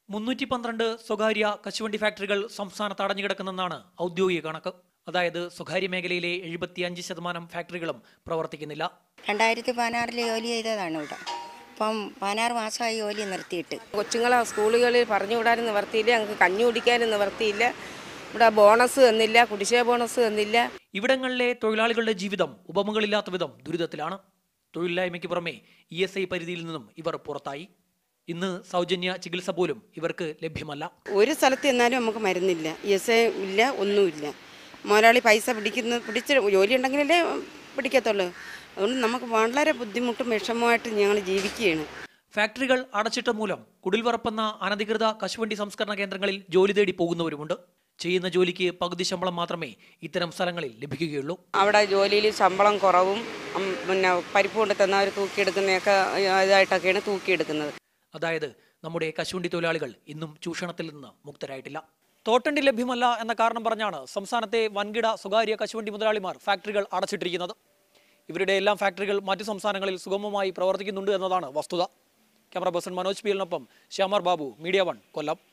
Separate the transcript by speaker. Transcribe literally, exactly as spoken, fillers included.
Speaker 1: മുന്നൂറ്റി പന്ത്രണ്ട് സ്വകാര്യ കശുവണ്ടി ഫാക്ടറികൾ സംസ്ഥാനത്ത് അടഞ്ഞുകിടക്കുന്നെന്നാണ് ഔദ്യോഗിക കണക്ക്. അതായത് സ്വകാര്യ മേഖലയിലെ എഴുപത്തിയഞ്ച് ശതമാനം ഫാക്ടറികളും പ്രവർത്തിക്കുന്നില്ല.
Speaker 2: രണ്ടായിരത്തി പതിനാറിൽ ജോലി ചെയ്തതാണ് ഇവിടെ. ഇപ്പം പതിനാറ് മാസമായി ജോലി നിർത്തിയിട്ട്.
Speaker 3: കൊച്ചുങ്ങളെ സ്കൂളുകളിൽ പറഞ്ഞു വിടാനും നിവർത്തിയില്ല, ഞങ്ങൾക്ക് കഞ്ഞി കുടിക്കാനും നിവർത്തിയില്ല. ഇവിടെ ബോണസ് തന്നില്ല, കുടിശ്ശിക ബോണസ് തന്നില്ല.
Speaker 1: ഇവിടങ്ങളിലെ തൊഴിലാളികളുടെ ജീവിതം ഉപമകളില്ലാത്ത വിധം ദുരിതത്തിലാണ്. തൊഴിലില്ലായ്മയ്ക്ക് പുറമെ ഇ എസ് ഐ പരിധിയിൽ നിന്നും ഇവർ പുറത്തായി. ഇന്ന് സൗജന്യ ചികിത്സ പോലും ഇവർക്ക് ലഭ്യമല്ല.
Speaker 4: ഒരു സ്ഥലത്ത് എന്നാലും നമുക്ക് മരുന്നില്ല, ഇ എസ് ഐ ഇല്ല, ഒന്നുമില്ല. മുതലാളി പൈസ പിടിക്കുന്ന പിടിച്ച് ജോലി ഉണ്ടെങ്കിലല്ലേ പിടിക്കത്തുള്ളൂ. അതുകൊണ്ട് നമുക്ക് വളരെ ബുദ്ധിമുട്ടും വിഷമമായിട്ട് ഞങ്ങൾ ജീവിക്കുകയാണ്.
Speaker 1: ഫാക്ടറികൾ അടച്ചിട്ട മൂലം കുടിൽവറപ്പെന്ന അനധികൃത കശുവണ്ടി സംസ്കരണ കേന്ദ്രങ്ങളിൽ ജോലി തേടി പോകുന്നവരുമുണ്ട്. ചെയ്യുന്ന ജോലിക്ക് പകുതി ശമ്പളം മാത്രമേ ഇത്തരം സ്ഥലങ്ങളിൽ ലഭിക്കുകയുള്ളൂ.
Speaker 4: അവിടെ ജോലിയിൽ ശമ്പളം കുറവും പിന്നെ പരിപ്പ് കൊണ്ട് തന്നവർ തൂക്കിയെടുക്കുന്നതൊക്കെ ഇതായിട്ടൊക്കെയാണ് തൂക്കിയെടുക്കുന്നത്.
Speaker 1: അതായത് നമ്മുടെ കശുവണ്ടി തൊഴിലാളികൾ ഇന്നും ചൂഷണത്തിൽ നിന്ന് മുക്തരായിട്ടില്ല. തോട്ടണ്ടി ലഭ്യമല്ല എന്ന കാരണം പറഞ്ഞാണ് സംസ്ഥാനത്തെ വൻകിട സ്വകാര്യ കശുവണ്ടി മുതലാളിമാർ ഫാക്ടറികൾ അടച്ചിട്ടിരിക്കുന്നത്. ഇവരുടെ എല്ലാം ഫാക്ടറികൾ മറ്റു സംസ്ഥാനങ്ങളിൽ സുഗമമായി പ്രവർത്തിക്കുന്നുണ്ട് എന്നതാണ് വസ്തുത. ക്യാമറ പേഴ്സൺ മനോജ് പിയലിനൊപ്പം ശ്യാമർ ബാബു, മീഡിയ വൺ, കൊല്ലം.